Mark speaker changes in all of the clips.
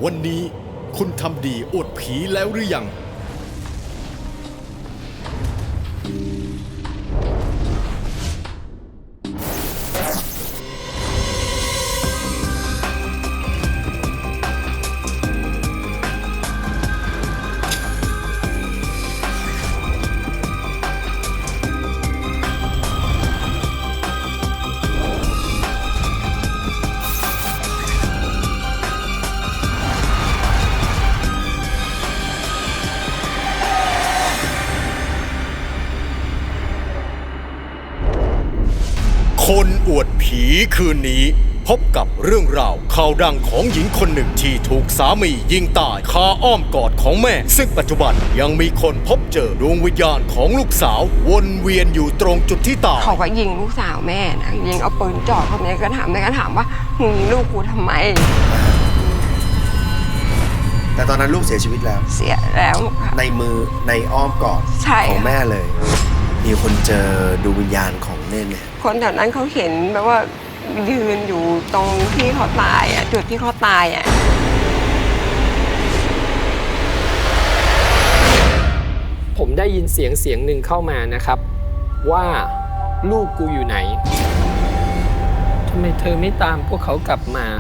Speaker 1: วันนี้คุณทำดีอวดผีแล้วหรือยังคนอวดผีคืนนี้พบกับเรื่องราวข่าวดังของหญิงคนหนึ่งที่ถูกสามียิงตายคาอ้อมกอดของแม่ซึ่งปัจจุบันยังมีคนพบเจอดวงวิญญาณของลูกสาววนเวียนอยู่ตรงจุดที่ตาย
Speaker 2: เขาก็ยิงลูกสาวแม่นะยิงเอาปืนจ่อคนนี้ก็ถามว่ามึงยิงลูกกูทำไม
Speaker 3: แต่ตอนนั้นลูกเสียชีวิตแล้ว
Speaker 2: เสียแล้ว
Speaker 3: ในมือในอ้อมกอดของแม่เลยมีคนเจอดวงวิญญาณของเน่เนี่ย
Speaker 2: คนแถวนั้นเขาเห็นแบบว่ายืนอยู่ตรงที่เขาตายอ่ะจุดที่เขาตายอ่ะ
Speaker 4: ผมได้ยินเสียงหนึ่งเข้ามานะครับว่าลูกกูอยู่ไหนทำไมเธอไม่ตามพวกเขากลับมา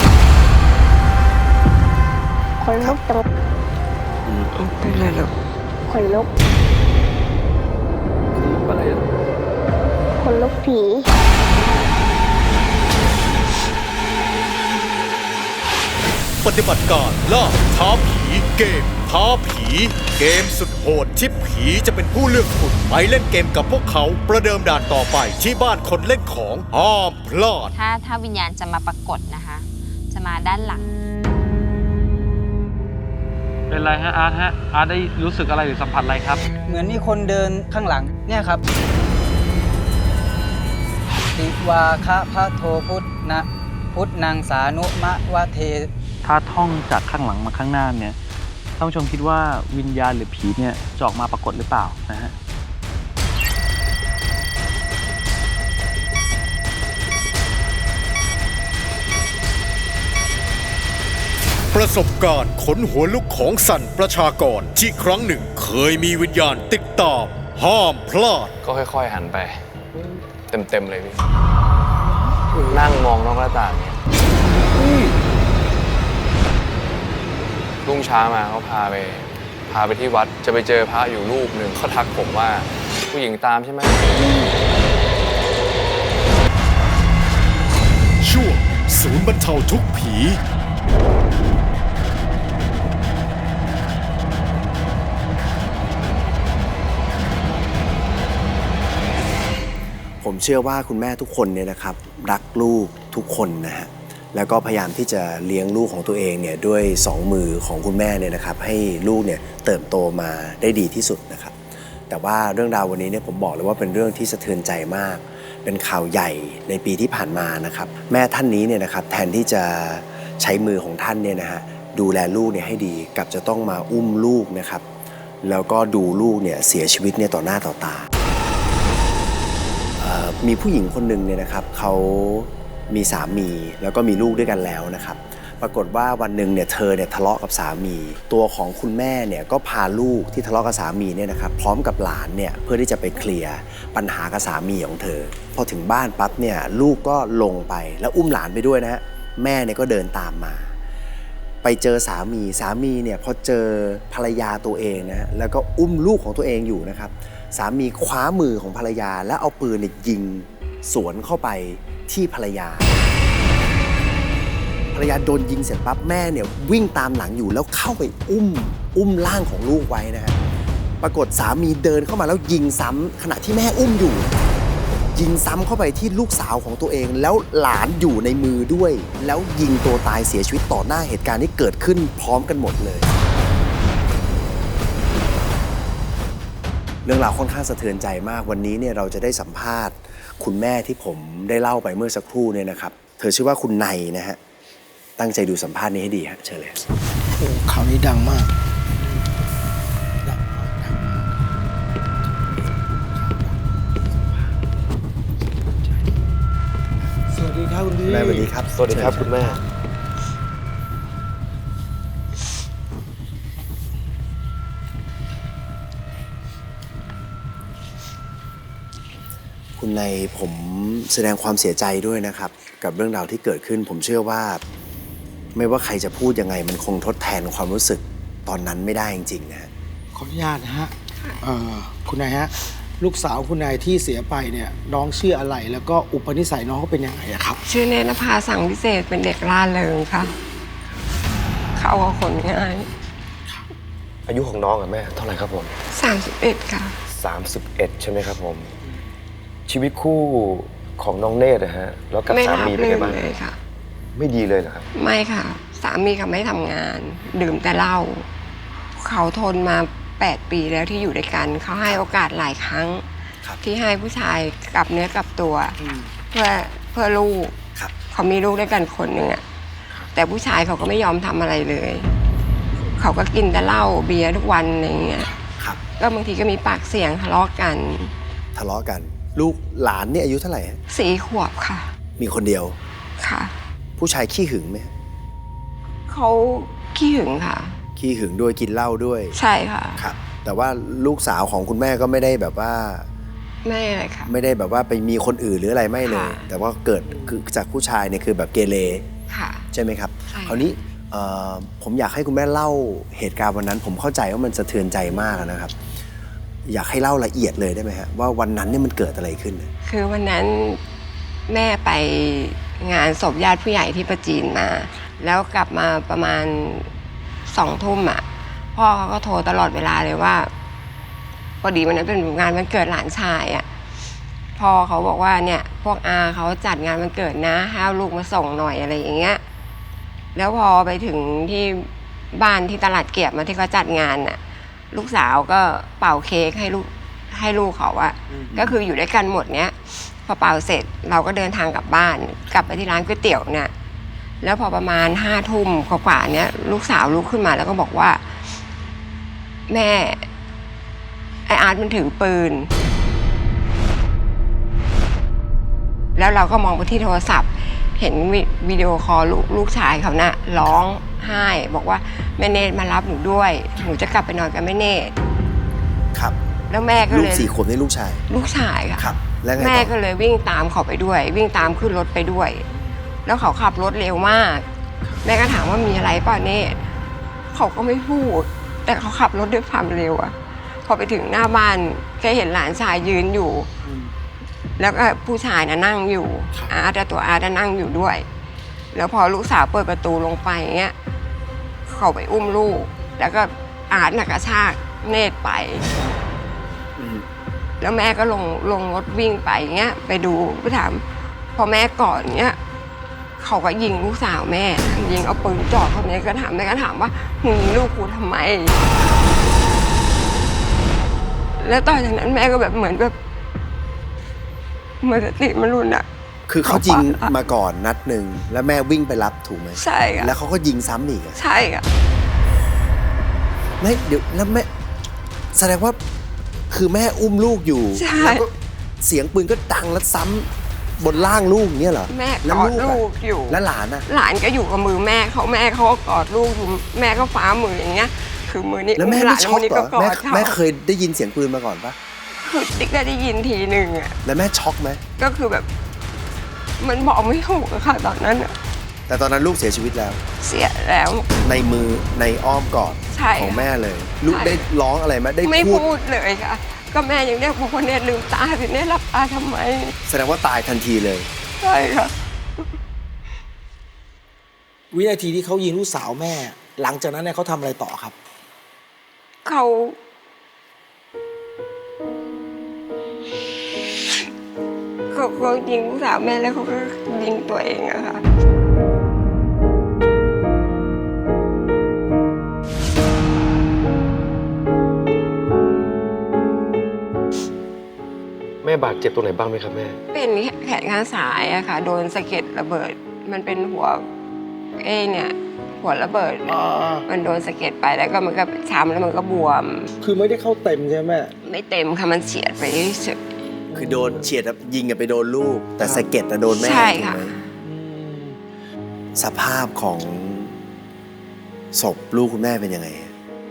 Speaker 5: คนลุกตรง
Speaker 2: เป็นไรลูก
Speaker 5: คนลุก
Speaker 4: อะไร
Speaker 5: คนลุกผี
Speaker 1: ปฏิบัติการล่าท้าผีเกมท้าผีเกมสุดโหดที่ผีจะเป็นผู้เลือกคุณไปเล่นเกมกับพวกเขาประเดิมด่านต่อไปที่บ้านคนเล่นของห้ามพลาด
Speaker 6: ถ้าวิญญาณจะมาปรากฏนะคะจะมาด้านหลัง
Speaker 7: เป็นไรฮะอาร์ตได้รู้สึกอะไรหรือสัมผัสอะไรครับ
Speaker 8: เหมือนมีคนเดินข้างหลังเนี่ยครับติวาคะพระโทพุทธนะพุทธนางสานุมะวะเท
Speaker 7: ถ้าท่องจากข้างหลังมาข้างหน้าเนี่ยท่านผู้ชมคิดว่าวิญญาณหรือผีเนี่ยจะออกมาปรากฏหรือเปล่านะฮะ
Speaker 1: ประสบการณ์ขนหัวลุกของสันประชากรที่ครั้งหนึ่งเคยมีวิญญาณติดตามห้ามพลาด
Speaker 9: ก็ค่อยๆหันไปเต็มเลยพี่นั่งมองนอกหน้าต่างเนี่ยรุ่งเช้ามาเขาพาไปที่วัดจะไปเจอพระอยู่รูปหนึ่งเขาทักผมว่าผู้หญิงตามใช่ไหม
Speaker 1: ช่วงศูนย์บรรเทาทุกข์ผี
Speaker 3: ผมเชื่อว่าคุณแม่ทุกคนเนี่ยนะครับรักลูกทุกคนนะฮะแล้วก็พยายามที่จะเลี้ยงลูกของตัวเองเนี่ยด้วย2 มือของคุณแม่เนี่ยนะครับให้ลูกเนี่ยเติบโตมาได้ดีที่สุดนะครับแต่ว่าเรื่องราววันนี้เนี่ยผมบอกเลยว่าเป็นเรื่องที่สะเทือนใจมากเป็นข่าวใหญ่ในปีที่ผ่านมานะครับแม่ท่านนี้เนี่ยนะครับแทนที่จะใช้มือของท่านเนี่ยนะฮะดูแลลูกเนี่ยให้ดีกับจะต้องมาอุ้มลูกนะครับแล้วก็ดูลูกเนี่ยเสียชีวิตเนี่ยต่อหน้าต่อตามีผู้หญิงคนหนึ่งเนี่ยนะครับเขามีสามีแล้วก็มีลูกด้วยกันแล้วนะครับปรากฏว่าวันหนึ่งเนี่ยเธอเนี่ยทะเลาะกับสามีตัวของคุณแม่เนี่ยก็พาลูกที่ทะเลาะกับสามีเนี่ยนะครับพร้อมกับหลานเนี่ยเพื่อที่จะไปเคลียร์ปัญหากับสามีของเธอพอถึงบ้านปั๊บเนี่ยลูกก็ลงไปแล้วอุ้มหลานไปด้วยนะฮะแม่เนี่ยก็เดินตามมาไปเจอสามีเนี่ยพอเจอภรรยาตัวเองนะแล้วก็อุ้มลูกของตัวเองอยู่นะครับสามีคว้ามือของภรรยาแล้วเอาปืนเนี่ยยิงสวนเข้าไปที่ภรรยาโดนยิงเสร็จปั๊บแม่เนี่ยวิ่งตามหลังอยู่แล้วเข้าไปอุ้มร่างของลูกไว้นะฮะปรากฏสามีเดินเข้ามาแล้วยิงซ้ำขณะที่แม่อุ้มอยู่ยิงซ้ำเข้าไปที่ลูกสาวของตัวเองแล้วหลานอยู่ในมือด้วยแล้วยิงตัวตายเสียชีวิตต่อหน้าเหตุการณ์ที่เกิดขึ้นพร้อมกันหมดเลยเรื่องราวค่อนข้างสะเทือนใจมากวันนี้เนี่ยเราจะได้สัมภาษณ์คุณแม่ที่ผมได้เล่าไปเมื่อสักครู่เนี่ยนะครับเธอชื่อว่าคุณไนนะฮะตั้งใจดูสัมภาษณ์นี้ให้ดีฮะเชิญเลย
Speaker 8: โอ้ข่าวนี้ดังมากสวัสดีครับคุณพี่
Speaker 3: แม่สวัสดีครับ
Speaker 9: สวัสดีครับคุณแม่
Speaker 3: คุณนายผมแสดงความเสียใจด้วยนะครับ กับเรื่องราวที่เกิดขึ้น ผมเชื่อว่า ไม่ว่าใครจะพูดยังไงมันคงทดแทนความรู้สึกตอนนั้นไม่ได้จริงๆนะฮะ
Speaker 10: ขออนุญาตนะฮะคุณนายฮะ ลูกสาวคุณนายที่เสียไปเนี่ยน้องชื่ออะไรแล้วก็อุปนิสัยน้องเขาเป็นยังไงอะครับ
Speaker 2: ชื่อเนนภาสังพิเศษเป็นเด็กร่าเริงค่ะ เขากับคนง่าย
Speaker 11: อายุของน้องกับแม่เท่าไหร่ครับผม
Speaker 2: 31 ค่ะ
Speaker 11: 31 ใช่ไหมครับผม ชีวิตคู่ของน้องเนตรนะฮะ แล้วกับ
Speaker 2: ไม่
Speaker 11: สา
Speaker 2: รับ
Speaker 11: มีเป็น
Speaker 2: รื่
Speaker 11: ไง
Speaker 2: น
Speaker 11: บ้าง
Speaker 2: เลยค่ะ
Speaker 11: ไม่ดีเลยเหรอครับ
Speaker 2: ไม่ค่ะ สามีเขาไม่ทำงาน ดื่มแต่เหล้าเขาทนมา 8 ปีแล้วที่อยู่ด้วยกัน เขาให้โอกาสหลายครั้ง
Speaker 3: ครับ
Speaker 2: ที่ให้ผู้ชายกลับเนื้อกลับตัว เพื่อลูก
Speaker 3: ครับ
Speaker 2: เขามีลูกด้วยกันคนหนึ่งอะแต่ผู้ชายเขาก็ไม่ยอมทำอะไรเลย เขาก็กินแต่เหล้าเบียร์ทุกวันอะไรอย่างเงี้ย
Speaker 3: ครับ
Speaker 2: ก็บางทีก็มีปากเสียงทะเลาะกัน
Speaker 3: ทะเลาะกัน ลูกหลานเนี่ยอายุเท่าไหร่ฮะ
Speaker 2: 4 ขวบค่ะ
Speaker 3: มีคนเดียว
Speaker 2: ค่ะ
Speaker 3: ผู้ชายขี้หึงไหมฮะ
Speaker 2: เขาขี้หึงค่ะ
Speaker 3: ขี้หึงด้วยกินเหล้าด้วย
Speaker 2: ใช่ค่ะ
Speaker 3: ครับ แต่ว่าลูกสาวของคุณแม่ก็ไม่ได้แบบว่า
Speaker 2: ไม่อะไรค่ะ
Speaker 3: ไม่ได้แบบว่าไปมีคนอื่นหรืออะไรไม่เลย
Speaker 2: ค่ะ
Speaker 3: แต่ว่าเกิดคือจากผู้ชายเนี่ยคือแบบเกเร
Speaker 2: ค่ะ
Speaker 3: ใช่ไหมครับ
Speaker 2: ใช่
Speaker 3: คราวนี้ผมอยากให้คุณแม่เล่าเหตุการณ์วันนั้น ผมเข้าใจว่ามันสะเทือนใจมากนะครับ อยากให้เล่าละเอียดเลยได้ไหมฮะว่าวันนั้นเนี่ยมันเกิดอะไรขึ้น
Speaker 2: คือวันนั้นแม่ไปงานศพญาติผู้ใหญ่ที่ประจีนมา แล้วกลับมาประมาณ2 ทุ่มอ่ะพ่อเขาก็โทรตลอดเวลาเลยว่าพอดีวันนั้นเป็นงานวันเกิดหลานชายอ่ะพ่อเขาบอกว่าเนี่ยพวกอาเขาจัดงานวันเกิดนะให้เอาลูกมาส่งหน่อยอะไรอย่างเงี้ยแล้วพอไปถึงที่บ้านที่ตลาดเกียบมาที่เขาจัดงานน่ะลูกสาวก็เป่าเค้กให้ลูกเขาอะก็คืออยู่ด้วยกันหมดเนี้ยพอเป่าเสร็จเราก็เดินทางกลับบ้านกลับไปที่ร้านก๋วยเตี๋ยวเนี่ยแล้วพอประมาณ5 ทุ่มกว่าๆเนี้ยลูกสาวลุกขึ้นมาแล้วก็บอกว่าแม่ไออาร์ตมันถือปืนแล้วเราก็มองไปที่โทรศัพท์เห็นวิดีโอคอลลูกชายเขาน่ะร้องไห้บอกว่าแม่เนตรมารับหนูด้วยหนูจะกลับไปนอนกับแม่เนตร
Speaker 3: ครับ
Speaker 2: แล้วแม่ก็
Speaker 3: ลู
Speaker 2: เล
Speaker 3: ก
Speaker 2: ย
Speaker 3: 4 ขวบนี่ลูกชาย
Speaker 2: ลูกชายค่ะ
Speaker 3: ครับ แล้วไง
Speaker 2: แม่
Speaker 3: ต่
Speaker 2: ก็
Speaker 3: อ
Speaker 2: เลยวิ่งตามเขาไปด้วย วิ่งตามขึ้นรถไปด้วย แล้วเขาขับรถเร็วมาก แม่ก็ถามว่ามีอะไรป่ะเนตรเขาก็ไม่พูด แต่เขาขับรถด้วยความเร็วอะพอไปถึงหน้าบ้านแค่เห็นหลานชายยืนอยู่ แล้วก็ผู้ชายน่ะนั่งอยู่อาร์ตตัวอาร์ตนั่งอยู่ด้วย แล้วพอลูกสาวเปิดประตูลงไปอย่างเงี้ยเขาไปอุ้มลูก แล้วก็อาร์ตน่ะกระชากเนตรไป แล้วแม่ก็ลงรถวิ่งไปอย่างเงี้ยไปดูไปถามพอแม่ก่อนเงี้ยเขาก็ยิงลูกสาวแม่ยิงเอาปืนจ่อเขาเนี่ยก็ถามแม่ก็ถามว่ามึงยิงลูกกูทำไม แล้วต่อจากนั้นแม่ก็แบบเหมือนสติมันรุนอะ
Speaker 3: คือเขายิงมาก่อนนัดหนึ่งแล้วแม่วิ่งไปรับถูกไหม
Speaker 2: ใช่ค่ะ
Speaker 3: แล้วเขาก็ยิงซ้ำอีกอะ
Speaker 2: ใช่ค่ะ
Speaker 3: ไม่เดี๋ยวแล้วแม่แสดงว่าคือแม่อุ้มลูกอยู่
Speaker 2: ใช่
Speaker 3: แล้วก็เสียงปืนก็ดังแล้วซ้ำบนล่างลูกอย่างเนี่ยเหรอ
Speaker 2: แม่
Speaker 3: แล้ว
Speaker 2: กอด
Speaker 3: อะ
Speaker 2: ลูกอยู่
Speaker 3: แล้วหลานอะ
Speaker 2: หลานก็อยู่กับมือแม่เขาก็กอดลูกอยู่แม่ก็ฟ้ามืออย่างเงี้ย คือมือนี้
Speaker 3: แล้วแม่
Speaker 2: ห
Speaker 3: ไม่
Speaker 2: ลาน
Speaker 3: ช็อก
Speaker 2: มือนี้
Speaker 3: เหร
Speaker 2: ก็
Speaker 3: อก
Speaker 2: อ
Speaker 3: แม่
Speaker 2: ดเขา
Speaker 3: แม่เคยได้ยินเสียงปืนมาก่อนปะ
Speaker 2: คือติ๊กได้ยินทีหนึ่งอะ
Speaker 3: แล้วแม่ช็อกไหม
Speaker 2: ก็คือแบบ มันบอกไม่ถูกอะค่ะตอนนั้นอะ
Speaker 3: แต่ตอนนั้นลูกเสียชีวิตแล้ว
Speaker 2: เสียแล้ว
Speaker 3: ในมือในอ้อมกอด
Speaker 2: ใช่
Speaker 3: ของแม่เลย ลูก
Speaker 2: ใช่
Speaker 3: ได้ร้องอะไรไหมได้
Speaker 2: ไม่
Speaker 3: พูด
Speaker 2: พูดเลยค่ะ ก็แม่ยังเรียกบอกว่าเนี่ยลืมตาสิเนี่ยหลับตาทำไม
Speaker 3: แสดงว่าตายทันทีเลย
Speaker 2: ใช่ค่ะ
Speaker 10: วินาทีที่เขายิงลูกสาวแม่ หลังจากนั้นเนี่ยเขาทำอะไรต่อครับ
Speaker 2: เขายิงลูกสาวแม่แล้วเขาก็ยิงตัวเองอะค่ะ
Speaker 11: แม่บาดเจ็บตรงไหนบ้างไหมครับแม่
Speaker 2: เป็นแขนข้างซ้ายอะค่ะ โดนสะเก็ดระเบิด มันเป็นหัวหัวระเบิด มันโดนสะเก็ดไปแล้วก็มันก็ช้ำแล้วมันก็บวม
Speaker 10: คือไม่ได้เข้าเต็มใช่ไหม
Speaker 2: ไม่เต็มค่ะมันเฉียดไปเฉย
Speaker 3: คือโดนเฉียดยิงกันไปโดนลูก แต่สะเก็ดนะโดนแม่
Speaker 2: ใช่ค่ะ
Speaker 3: ถูกไหมสภาพของศพลูกคุณแม่เป็นยังไง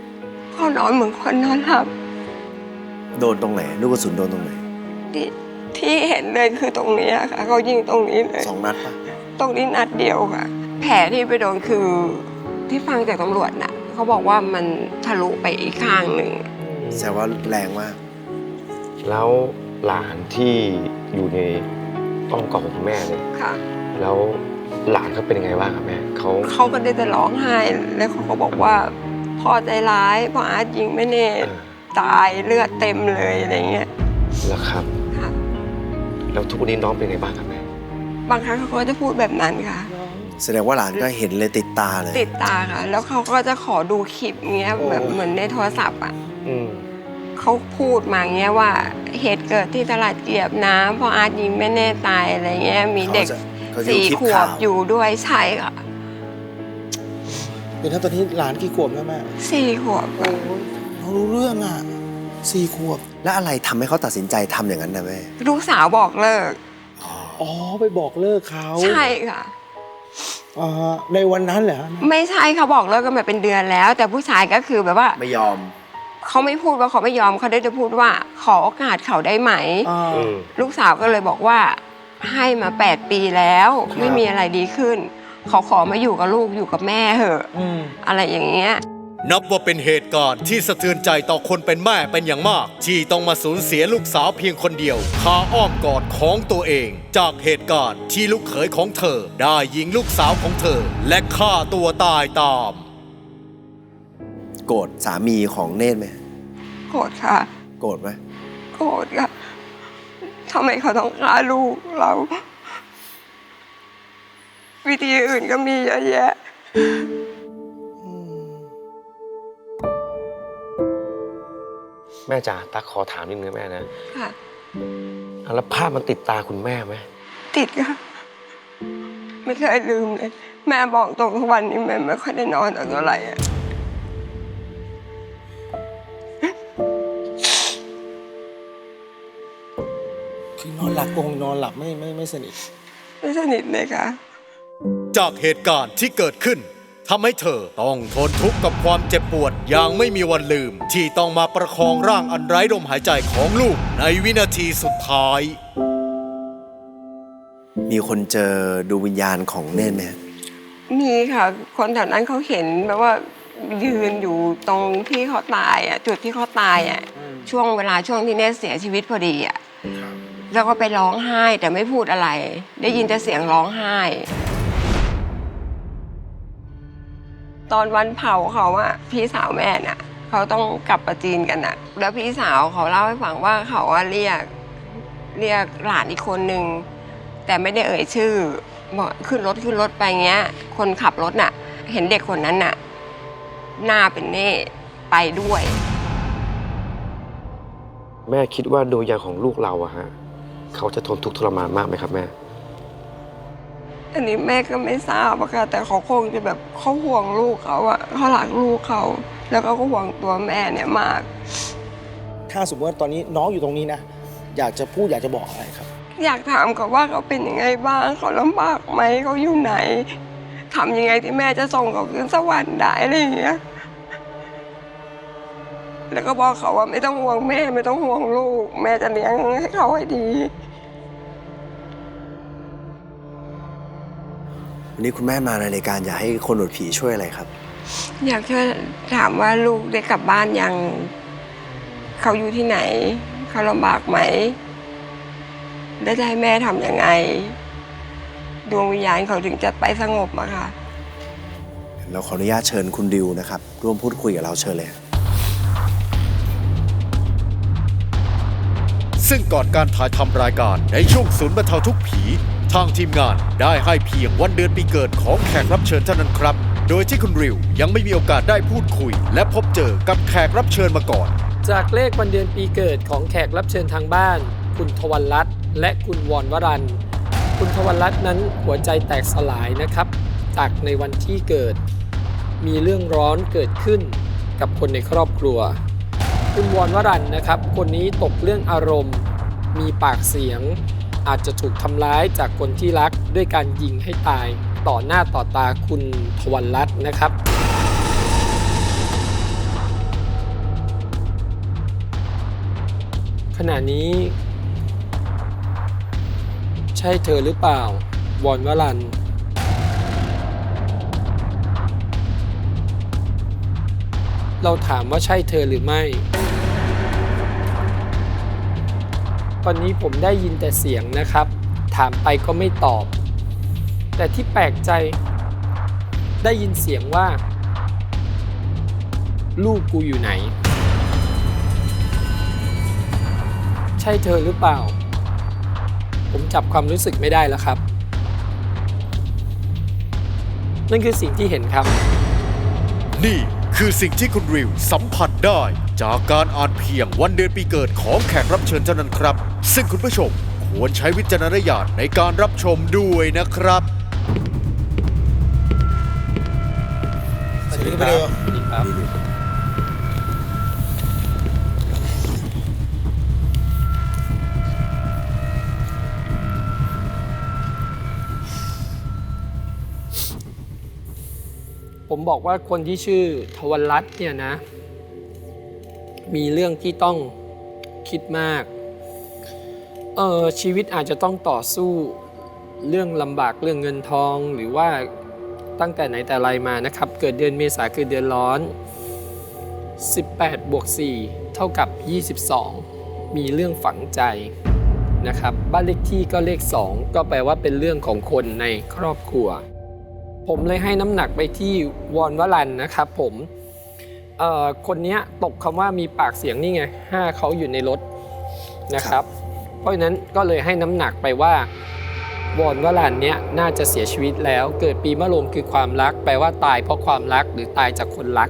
Speaker 2: เขานอนเหมือนคนนอนหลับ
Speaker 3: โดนตรงไหน ลูกกระสุนโดนตรงไหน
Speaker 2: ที่ที่เห็นเลยคือตรงนี้ค่ะเขายิงตรงนี้เลย
Speaker 3: 2 นัดปะ
Speaker 2: ตรงนี้นัดเดียวค่ะ แผลที่ไปโดนคือที่ฟังจากตำรวจน่ะเขาบอกว่ามันทะลุไปอีกข้างหนึ่ง
Speaker 3: แสดงว่าแรงมาก
Speaker 11: แล้วหลานที่อยู่ในอ้อมกอดของคุณแม่เนี่ย
Speaker 2: ค่ะ
Speaker 11: แล้วหลานเขาเป็นยังไงบ้างครับแม่เขา
Speaker 2: เขาก็ได้แต่ร้องไห้แล้วเขาก็บอกว่าพ่อใจร้ายพ่ออาร์ตยิงแม่เนตรตายเลือดเต็มเลยอะไรเงี้ย
Speaker 11: แล้วครับ
Speaker 2: ค่ะ
Speaker 11: แล้วทุกวันนี้น้องเป็นยังไงบ้างครับแม่
Speaker 2: บางครั้งเขาก็จะพูดแบบนั้นค่ะ
Speaker 3: แสดงว่าหลานก็เห็นเลยติดตาเลย
Speaker 2: ติดตาค่ะ แล้วเขาก็จะขอดูคลิปเงี้ยแบบเหมือนในโทรศัพท์อ่ะ
Speaker 11: อืม
Speaker 2: เขาพูดมาเงี้ยว่าเหตุเกิดที่ตลาดเกียบน้ำพ่ออาร์ตยิงแม่เนตรตายอะไรเงี้ยมีเด็ก
Speaker 3: เขาจะดูคลิป
Speaker 2: 4 ขว
Speaker 3: ข่า
Speaker 2: บ
Speaker 3: ว
Speaker 2: อยู่ด้วยใช่ค่ะ
Speaker 10: เดี๋ยวถ้าตอนนี้หลานกี่ขวบแล้วแม่
Speaker 2: 4 ขวบค่ะ
Speaker 10: เรารู้เรื่องอ่ะ4 ขวบ
Speaker 3: แล้วอะไรทำให้เขาตัดสินใจทำอย่างนั้นนะแม่
Speaker 2: ลูกสาวบอกเลิก
Speaker 10: อ๋อไปบอกเลิกเขา
Speaker 2: ใช่ค่ะ
Speaker 10: ในวันนั้นเหรอแม่
Speaker 2: ไม่ใช่เขาบอกเลิกกันมาเป็นเดือนแล้ว แต่ผู้ชายก็คือแบบว่า
Speaker 3: ไม่ยอม
Speaker 2: เขาไม่พูดว่าเขาไม่ยอมเขาได้จะพูดว่าขอโอกาสเขาได้ไหม ลูกสาวก็เลยบอกว่าให้มา8 ปีแล้ว
Speaker 10: ครับ
Speaker 2: ไม่มีอะไรดีขึ้นเขาขอมาอยู่กับลูกอยู่กับแม่เถอะ
Speaker 10: อืม
Speaker 2: อะไรอย่างเงี้ย
Speaker 1: นับว่าเป็นเหตุการณ์ที่สะเทือนใจต่อคนเป็นแม่เป็นอย่างมาก ที่ต้องมาสูญเสียลูกสาวเพียงคนเดียวคาอ้อมกอดของตัวเอง จากเหตุการณ์ที่ลูกเขยของเธอ ได้ยิงลูกสาวของเธอ และฆ่าตัวตายตาม
Speaker 3: โกรธสามีของเนตรไหม
Speaker 2: โกรธค่ะ
Speaker 3: โกรธไหม
Speaker 2: โกรธค่ะทำไมเขาต้องฆ่าลูกเรา วิธีอื่นก็มีเยอะแยะ
Speaker 11: แม่จ๋าตั๊กขอถามนิดนึงแม่นะ
Speaker 2: ค่ะ
Speaker 11: แล้วภาพมันติดตาคุณแม่ไหม
Speaker 2: ติดค่ะ ไม่เคยลืมเลย แม่บอกตรงทุกวันนี้แม่ไม่ค่อยได้นอนแต่เท่าไหร่อะ
Speaker 10: คือนอนหลับคงนอนหลับไม่สนิท
Speaker 2: ไม่สนิทเลยค่ะ
Speaker 1: จากเหตุการณ์ที่เกิดขึ้นทำให้เธอต้องทนทุกข์กับความเจ็บปวดอย่างไม่มีวันลืม ที่ต้องมาประคองร่างอันไร้ลมหายใจของลูกในวินาทีสุดท้าย
Speaker 3: มีคนเจอดวงวิญญาณของเนตรไหม
Speaker 2: มีค่ะ คนแถวนั้นเขาเห็นแบบว่ายืนอยู่ตรงที่เขาตายอ่ะจุดที่เขาตายอ่ะช่วงที่เนตเสียชีวิตพอดีอ่ะแล้วก็ไปร้องไห้แต่ไม่พูดอะไร ได้ยินแต่เสียงร้องไห้ ตอนวันเผาเขาอะพี่สาวแม่น่ะเขาต้องกลับประจีนกันน่ะ แล้วพี่สาวเขาเล่าให้ฟังว่าเขาอะเรียกหลานอีกคนนึงแต่ไม่ได้เอ่ยชื่อบอกขึ้นรถไปเงี้ย คนขับรถน่ะ เห็นเด็กคนนั้นน่ะหน้าเป็นเน่ไปด้วย
Speaker 11: แม่คิดว่าดวงวิญญาณของลูกเราอะฮะเขาจะทนทุกข์ทรมานมากไหมครับแม่
Speaker 2: อันนี้แม่ก็ไม่ทราบอะค่ะแต่เขาคงจะแบบเขาห่วงลูกเขาอะเขารักลูกเขาแล้วก็ห่วงตัวแม่เนี่ยมาก
Speaker 10: ถ้าสมมติว่าตอนนี้น้องอยู่ตรงนี้นะ อยากจะพูดอยากจะบอกอะไรครับ
Speaker 2: อยากถามเขาว่าเขาเป็นยังไงบ้างเขาลำบากไหมเขาอยู่ไหนทำยังไงที่แม่จะส่งเขาขึ้นสวรรค์ได้อะไรอย่างเงี้ยแล้วก็บอกเขาว่าไม่ต้องห่วงแม่ไม่ต้องห่วงลูก แม่จะเลี้ยงให้เขาให้ดี
Speaker 3: วันนี้คุณแม่มาในรายการอยากให้คนหนวดผีช่วยอะไรครับ
Speaker 2: อยากช่วยถามว่าลูกได้กลับบ้านยังเขาอยู่ที่ไหนเขาลำบากไหมได้ให้แม่ทำยังไง ดวงวิญญาณเขาถึงจะไปสงบอะค่ะ
Speaker 3: เราขออนุญาตเชิญคุณดิวนะครับ ร่วมพูดคุยกับเราเชิญเลย
Speaker 1: ซึ่งก่อนการถ่ายทำรายการในช่วงศูนย์บรรเทาทุกข์ผี ทางทีมงานได้ให้เพียงวันเดือนปีเกิดของแขกรับเชิญเท่านั้นครับ โดยที่คุณริวยังไม่มีโอกาสได้พูดคุย และพบเจอกับแขกรับเชิญมาก่อน
Speaker 4: จากเลขวันเดือนปีเกิดของแขกรับเชิญทางบ้าน คุณทวัลรัตน์และคุณวรวรันท์คุณทวัลรัตน์นั้นหัวใจแตกสลายนะครับ จากในวันที่เกิด มีเรื่องร้อนเกิดขึ้นกับคนในครอบครัว คุณวรวรันท์นะครับ คนนี้ตกเรื่องอารมณ์ มีปากเสียง อาจจะถูกทำร้ายจากคนที่รักด้วยการยิงให้ตายต่อหน้าต่อตาคุณทวัลรัตน์นะครับ ขณะนี้ใช่เธอหรือเปล่า วอนวรัน เราถามว่าใช่เธอหรือไม่ ตอนนี้ผมได้ยินแต่เสียงนะครับ ถามไปก็ไม่ตอบ แต่ที่แปลกใจได้ยินเสียงว่า ลูกกูอยู่ไหน ใช่เธอหรือเปล่า ผมจับความรู้สึกไม่ได้แล้วครับ นั่นคือสิ่งที่เห็นครับ
Speaker 1: นี่คือสิ่งที่คุณริวสัมผัสได้ จากการอ่านเพียงวันเดือนปีเกิดของแขกรับเชิญเท่านั้นครับ ซึ่งคุณผู้ชมควรใช้วิจารณญาณในการรับชมด้วยนะครับ
Speaker 10: สวัสดีครับ
Speaker 4: สวัสดีครับ ผมบอกว่าคนที่ชื่อทวรัตน์เนี่ยนะ มีเรื่องที่ต้องคิดมาก ชีวิตอาจจะต้องต่อสู้เรื่องลำบากเรื่องเงินทองหรือว่าตั้งแต่ไหนแต่ไรมานะครับ เกิดเดือนเมษาคือเดือนร้อน 18 บวก 4 เท่ากับ 22 มีเรื่องฝังใจนะครับบ้านเลขที่ก็เลข 2 ก็แปลว่าเป็นเรื่องของคนในครอบครัว ผมเลยให้น้ำหนักไปที่วอนวรันนะครับผมคนนี้ตกคำว่ามีปากเสียงนี่ไง5เขาอยู่ในรถนะครับเพราะฉะนั้นก็เลยให้น้ำหนักไปว่าวอนวรันเนี้ยน่าจะเสียชีวิตแล้วเกิดปีมะโรงคือความรักแปลว่าตายเพราะความรักหรือตายจากคนรัก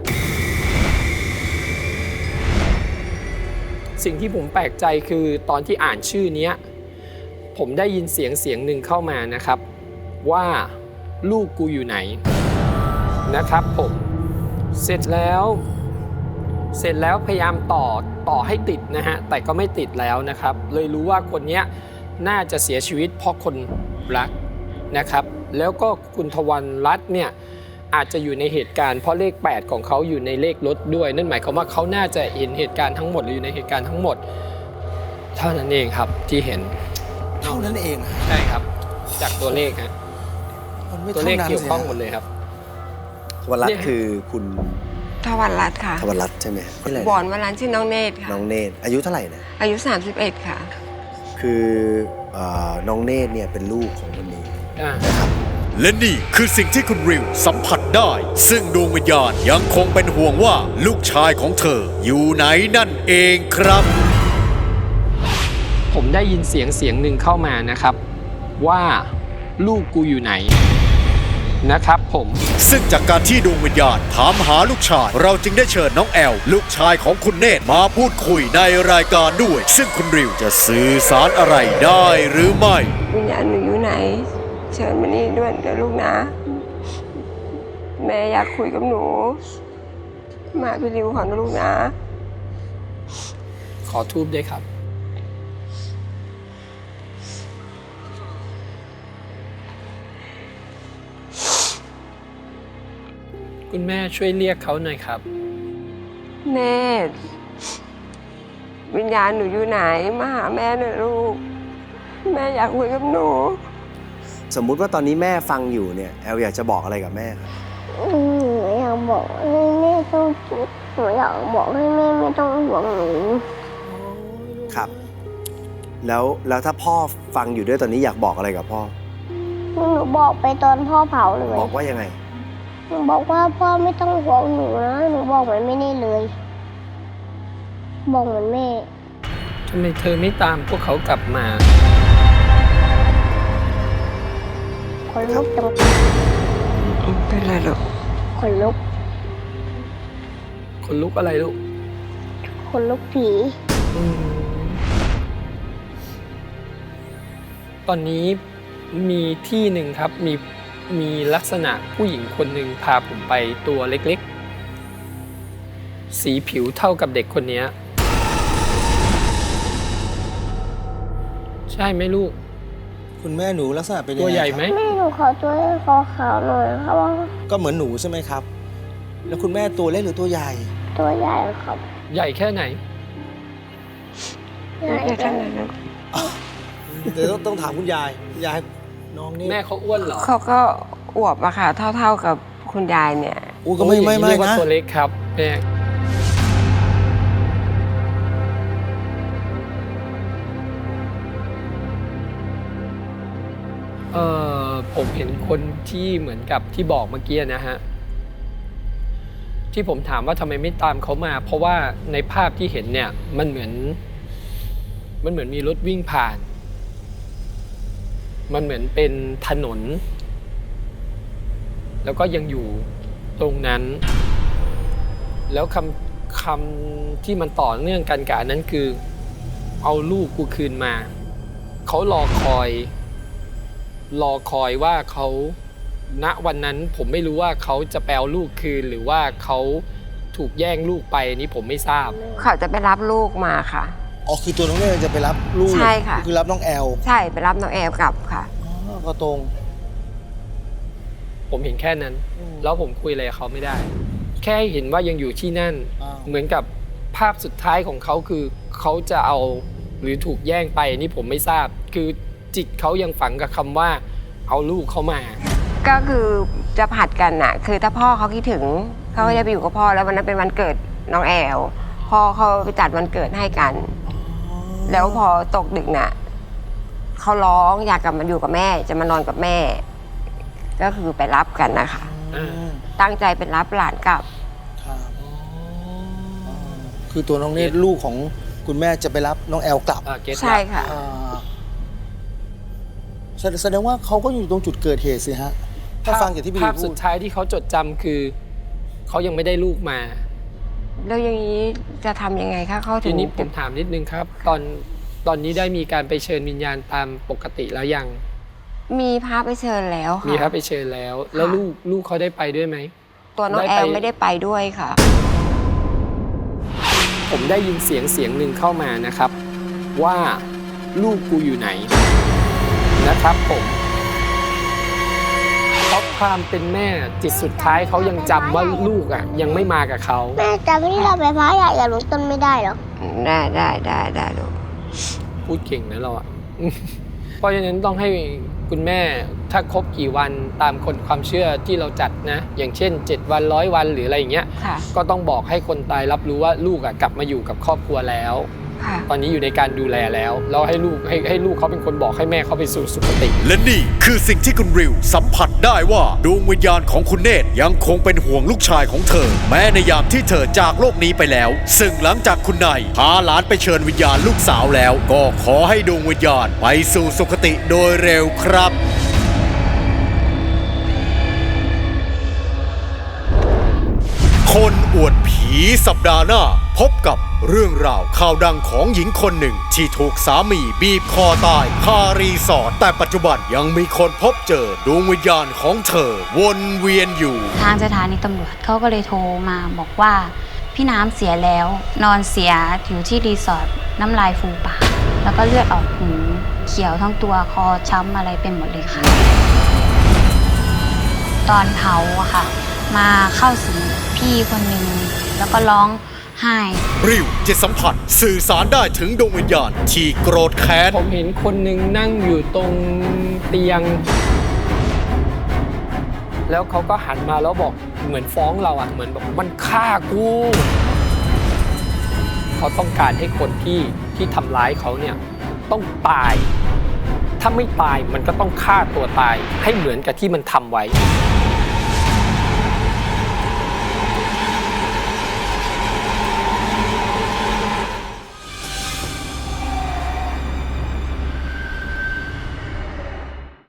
Speaker 4: สิ่งที่ผมแปลกใจคือตอนที่อ่านชื่อนี้ผมได้ยินเสียงหนึ่งเข้ามานะครับว่าลูกกูอยู่ไหนนะครับผมเสร็จแล้วพยายามต่อให้ติดนะฮะแต่ก็ไม่ติดแล้วนะครับเลยรู้ว่าคนนี้น่าจะเสียชีวิตเพราะคนรักนะครับแล้วก็คุณทวรรัตน์เนี่ยอาจจะอยู่ในเหตุการณ์เพราะเลข8ของเขาอยู่ในเลขรถด้วยนั่นหมายความว่าเขาน่าจะเห็นเหตุการณ์ทั้งหมดหรืออยู่ในเหตุการณ์ทั้งหมดเท่านั้นเองครับที่เห็น
Speaker 10: เท่านั้นเอง
Speaker 4: ใช่ครับจากตัวเลขฮะ
Speaker 10: มันไม่
Speaker 4: ตัว
Speaker 10: เท่า
Speaker 4: เลข
Speaker 10: นั้น
Speaker 4: เกี่ยว
Speaker 10: สิ
Speaker 4: ข้องหมดเลยครับ
Speaker 3: ทวรัตน์คือคุณ
Speaker 2: ทวรัตน์ค่ะ
Speaker 3: ทวรัตน์ใช่ไหมชื่ออะไรนะ
Speaker 2: วอนวรันชื่อน้องเนตรค่ะ
Speaker 3: น้องเนตรอายุเท่าไหร่นะ
Speaker 2: อายุ 31 ค่ะ
Speaker 3: คือน้องเนตรเนี่ยเป็นลูกของคนนี้
Speaker 1: และนี่คือสิ่งที่คุณริวสัมผัสได้ ซึ่งดวงวิญญาณยังคงเป็นห่วงว่าลูกชายของเธออยู่ไหนนั่นเองครับ
Speaker 4: ผมได้ยินเสียงหนึ่งเข้ามานะครับว่าลูกกูอยู่ไหนนะครับผม
Speaker 1: ซึ่งจากการที่ดวงวิญญาณถามหาลูกชาย เราจึงได้เชิญน้องแอลลูกชายของคุณเนตรมาพูดคุยในรายการด้วย ซึ่งคุณริวจะสื่อสารอะไรได้หรือไม่
Speaker 2: วิญญาณหนูอยู่ไหน เชิญมานี่ด้วยนะลูกนะ แม่อยากคุยกับหนู มาพี่ริวขอนะลูกนะ
Speaker 4: ขอทูบด้วยครับคุณแม่ช่วยเรียกเขาหน่อยครับ
Speaker 2: เนตรวิญญาณหนูอยู่ไหนมาหาแม่หน่อยลูก แม่อยากคุยกับหนู
Speaker 3: สมมุติว่าตอนนี้แม่ฟังอยู่เนี่ยแอลอยากจะบอกอะไรกับแม่ครับ
Speaker 5: หนูอยากบอกให้แม่ต้องหนูอยากบอกให้แม่ไม่ต้องห่วงหนู
Speaker 3: ครับ แล้วถ้าพ่อฟังอยู่ด้วยตอนนี้อยากบอกอะไรกับพ่อ
Speaker 5: หนูบอกไปตอนพ่อเผาเลย
Speaker 3: บอกว่ายังไง
Speaker 5: หนูบอกว่าพ่อไม่ต้องห่วงหนูนะหนูบอกเหมือนไม่ได้เลย บอกเหมือนแม่
Speaker 4: ทำไมเธอไม่ตามพวกเขากลับมา
Speaker 5: คนลุกจัง
Speaker 2: เป็นไรลูก
Speaker 5: คนลุก
Speaker 4: คนลุกอะไรลูก
Speaker 5: คนลุกผี
Speaker 4: ตอนนี้มีที่หนึ่งครับมีลักษณะผู้หญิงคนหนึ่งพาผมไปตัวเล็กๆ สีผิวเท่ากับเด็กคนนี้ใช่ไหมลูก
Speaker 10: คุณแม่หนูลักษณะเป็นยังไง
Speaker 4: ตัวใหญ่ไหม
Speaker 10: ครับ
Speaker 5: แม่หนูขอตัวขาวๆหน่อยครับว่า
Speaker 10: ก็เหมือนหนูใช่ไหมครับ แล้วคุณแม่ตัวเล็กหรือตัวใหญ่
Speaker 5: ตัวใหญ่ครับ
Speaker 4: ใหญ่แค่ไหน
Speaker 5: ใหญ่
Speaker 2: เดี๋ยวท่านนะลูก
Speaker 10: เดี๋ยวต้องถามคุณยายให้น้องนี่
Speaker 4: แม่เขาอ้วนเหรอ
Speaker 2: เขาก็อวบอะค่ะ เท่ากับคุณยายเนี่ย
Speaker 10: อู้ก็ไม่
Speaker 4: โอ้ยอย่างนี้เรียกว่า
Speaker 10: นะ
Speaker 4: ตัวเล็กครับแม่ผมเห็นคนที่เหมือนกับที่บอกเมื่อกี้นะฮะ ที่ผมถามว่าทำไมไม่ตามเขามา เพราะว่าในภาพที่เห็นเนี่ยมันเหมือนมีรถวิ่งผ่าน มันเหมือนเป็นถนน แล้วก็ยังอยู่ตรงนั้น แล้วคำที่มันต่อเนื่องกันกับอันนั้นคือเอาลูกกูคืนมา เขารอคอยว่าเขาณวันนั้นผมไม่รู้ว่าเขาจะแปลลูกคืนหรือว่าเขาถูกแย่งลูกไปอันนี้ผมไม่ทราบ
Speaker 2: เขาจะไปรับลูกมาค่ะ
Speaker 10: อ๋อคือตัวน้องเนยจะไปรับลูก
Speaker 2: ใช่ค่ะ
Speaker 10: คือรับน้องแอล
Speaker 2: ใช่ไปรับน้องแอลกลับค่ะ
Speaker 10: อ๋อก็ตรง
Speaker 4: ผมเห็นแค่นั้น แล้วผมคุยอะไรกับเขาไม่ได้ แค่เห็นว่ายังอยู่ที่นั่น
Speaker 10: อ้าว
Speaker 4: เหมือนกับภาพสุดท้ายของเขาคือเขาจะเอาหรือถูกแย่งไปอันนี้ผมไม่ทราบ คือจิตเขายังฝังกับคำว่าเอาลูกเขามา
Speaker 2: ก็คือจะผัดกันน่ะ คือถ้าพ่อเขาคิดถึงเขาก็จะไปอยู่กับพ่อแล้ววันนั้นเป็นวันเกิดน้องแอลพ่อเขาไปจัดวันเกิดให้กัน แล้วพอตกดึกน่ะเขาร้องอยากกลับมาอยู่กับแม่จะมานอนกับแม่ ก็คือไปรับกันนะคะ ตั้งใจเป็นรับหลานกลับ
Speaker 10: ครับคือตัวน้องเนตรลูกของคุณแม่จะไปรับน้องแอลกลับ
Speaker 4: เก็ต
Speaker 2: ใช่ค่ะ
Speaker 10: อ่าแสดงว่าเขาก็อยู่ตรงจุดเกิดเหตุสิฮะ ถ้าฟังจากที่พี่
Speaker 4: ภาพ
Speaker 10: พู
Speaker 4: สุ
Speaker 10: ด
Speaker 4: ดท้ายที่เขาจดจำคือเขายังไม่ได้ลูกมา
Speaker 2: แล้วอย่างนี้จะทำยังไงคะเขาถึ
Speaker 4: ที
Speaker 2: ง
Speaker 4: นี้ผมถามนิดนึงครับ ตอนนี้ได้มีการไปเชิญวิญญาณตามปกติแล้วยัง
Speaker 2: มีพระไปเชิญแล้วค่ะ
Speaker 4: มีครับไปเชิญแล้ว แล้วลูกเขาได้ไปด้วยไหม
Speaker 2: ตัวน้องแอลไม่ได้ไปด้วยค่ะ
Speaker 4: ผมได้ยินเสียงหนึ่งเข้ามานะครับ ว่าลูกกูอยู่ไหนนะครับผมเพราะความเป็นแม่จิตสุดท้ายเขายังจำว่าลูกอ่ะยังไม่มากับเขา
Speaker 5: แม่จำที่เราไปพระใหญ่อย่าลุกต้นไม่ได้หรอ
Speaker 2: ได้ลูก
Speaker 4: พูดเก่งนะเราอ่ะ เพราะฉะนั้นต้องให้คุณแม่ถ้าครบกี่วันตามคนความเชื่อที่เราจัดนะ อย่างเช่น 7 วัน100 วันหรืออะไรอย่างเงี้ย
Speaker 2: ค่ะ
Speaker 4: ก็ต้องบอกให้คนตายรับรู้ว่าลูกกลับมาอยู่กับครอบครัวแล้ว
Speaker 2: ค่ะ
Speaker 4: ตอนนี้อยู่ในการดูแลแล้วแล้วให้ลูกเขาเป็นคนบอกให้แม่เขาไปสู่สุคติ
Speaker 1: และนี่คือสิ่งที่คุณริวสัมผัสได้ว่าดวงวิญญาณของคุณเนตรยังคงเป็นห่วงลูกชายของเธอ แม้ในยามที่เธอจากโลกนี้ไปแล้ว ซึ่งหลังจากคุณนายพาหลานไปเชิญวิญญาณลูกสาวแล้ว ก็ขอให้ดวงวิญญาณไปสู่สุคติโดยเร็วครับ คนอวดผีสัปดาห์หน้า พบกับเรื่องราวข่าวดังของหญิงคนหนึ่ง ที่ถูกสามีบีบคอตายคารีสอร์ทแต่ปัจจุบันยังมีคนพบเจอดวงวิญญาณของเธอวนเวียนอยู่
Speaker 12: ทางสถานีตำรวจเขาก็เลยโทรมาบอกว่าพี่น้ำเสียแล้วนอนเสียอยู่ที่รีสอร์ทน้ำลายฟูปากแล้วก็เลือดออกหูเขียวทั้งตัวคอช้ำอะไรเป็นหมดเลยค่ะตอนเผาอะค่ะมาเข้าสิงพี่คนหนึ่งแล้วก็ร้องไห้
Speaker 1: ริวจะสัมผัสสื่อสารได้ถึงดวงวิญญาณที่โกรธแค้น
Speaker 4: ผมเห็นคนหนึ่งนั่งอยู่ตรงเตียง แล้วเขาก็หันมาแล้วบอกเหมือนฟ้องเราอ่ะเหมือนบอกมันฆ่ากูเขาต้องการให้คนที่ทำร้ายเขาเนี่ยต้องตาย ถ้าไม่ตายมันก็ต้องฆ่าตัวตายให้เหมือนกับที่มันทำไว้